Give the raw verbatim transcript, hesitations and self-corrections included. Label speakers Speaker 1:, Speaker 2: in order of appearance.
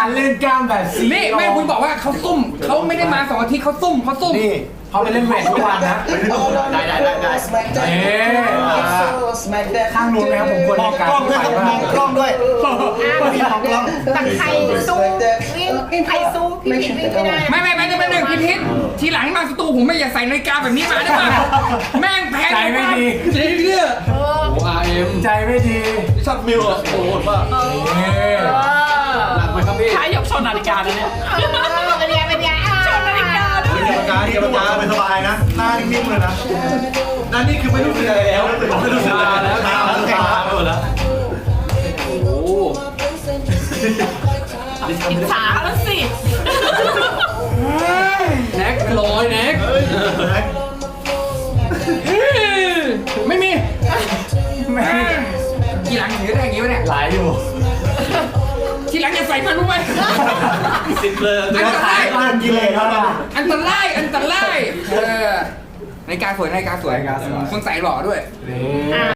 Speaker 1: การเล่นกล้ามแบบซี
Speaker 2: นี่แม่คุณบอกว่าเขาซุ่มเขาไม่ได้มาสองอาทิตย์เขาซุ่มเขาซุ่ม
Speaker 1: นี่เขาไปเล่นเวททุกวันนะ
Speaker 3: ได้ได้ได้ได้
Speaker 1: เอ๊ข้างนู้นไหมครับผมควร
Speaker 4: มอง
Speaker 1: ในการ
Speaker 4: กล้องด้วยครับมองกล้องด้วยพี่มองกล้อง
Speaker 5: แต่ใครสู้วิ่งใครสู้พี่ผิดวิ่งไม่ได้
Speaker 2: ไม่ไม่ไม่จะเป็นหนึ่งพิทิศทีหลังมาสตูผมไม่อยากใส่นาฬิกาแบบนี้มาได้ป่ะแม่งแพง
Speaker 1: ใจไม่ดี
Speaker 2: จริงเนี่ย
Speaker 3: โอ้อาร์เอ็ม
Speaker 1: ใจไม่ดี
Speaker 3: ชอบมิวอ่ะโอ้โหมาก
Speaker 1: นี่
Speaker 3: หนักไหมครับพี่
Speaker 6: ถ้ายกชนนาฬิกาแล้วเนี่ย
Speaker 5: เป็นไงเป็นไงชนนาฬิกา
Speaker 4: เกรรมการเกรรมการเป็นสบายนะหน้านิ่งๆเลยนะนั่นนี่คือไม่รู้สึกอะไรแล้วไม่รู้สึกอะไรแล้วตาแล้วตาหมดแล้ว
Speaker 3: โอ้โห
Speaker 6: อิจฉาแล้วสิ
Speaker 3: แน็กลอยแน็ก
Speaker 2: ไม่มี
Speaker 1: แม่
Speaker 2: ทีหลังถือได้อย่างงี้วะเนี่ย
Speaker 1: หลายอยู่
Speaker 2: ทีหลังจะใส่มันรู้ไหม
Speaker 3: สิบเลย
Speaker 2: อันตราย
Speaker 1: บ้านกินเลยครับ
Speaker 2: อันตรายอันตรายเออนาฬิกาสวยนาฬิกาสวย
Speaker 1: นาฬิกาสวย
Speaker 2: คนใส่หล่อด้วย
Speaker 1: นี่